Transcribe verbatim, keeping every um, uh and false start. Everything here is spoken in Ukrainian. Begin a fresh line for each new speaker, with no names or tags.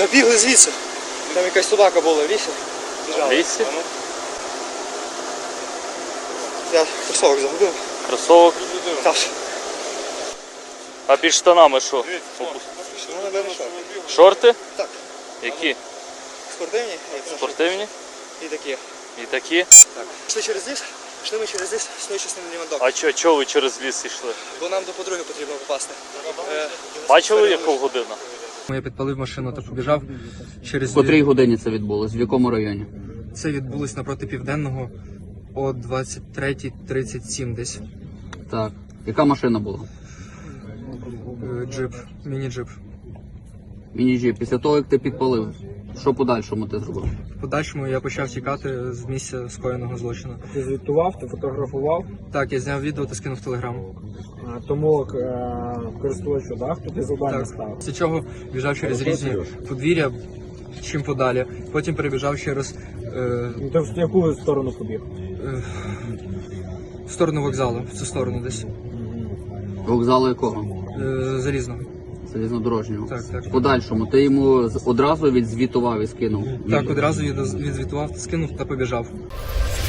Та бігли звідси. Там якась собака була в лісі.
В лісі?
Я кросовок загубив.
Кросовок?
Так.
А під штанами що?
Ну, напевно, шорти.
Шорти?
Так.
Які?
Спортивні.
Спортивні?
І такі.
І такі?
Так. Пішли через ліс, пішли ми через ліс, існує частина Лівандок.
А чого чо ви через ліс йшли?
Бо нам до подруги потрібно попасти. Е,
Бачили, яка година?
Я підпалив машину та побіжав через...
В котрій годині це відбулось? В якому районі?
Це відбулось напроти Південного о двадцять третій тридцять сім десь.
Так. Яка машина була?
Е, Джип, міні-джип.
Міні-джип. Після того, як ти підпалив, що подальшому ти зробив?
В подальшому я почав тікати з місця скоєного злочину.
Ти звітував, ти фотографував,
Так, я зняв відео та скинув в Телеграм.
а, тому е, користувачу, да, хто ти завдання
Так.
став.
Після чого біжав через різні подвір'я, чим подалі. Потім перебіжав через е,
Ну, ти в яку сторону побіг?
е, в сторону вокзалу, в цю сторону десь.
Вокзалу якого?
Е, залізного.
Залізнодорожнього.
Так, так.
В подальшому ти йому з- одразу відзвітував і скинув.
Так, одразу відоз- відзвітував, скинув та побіжав.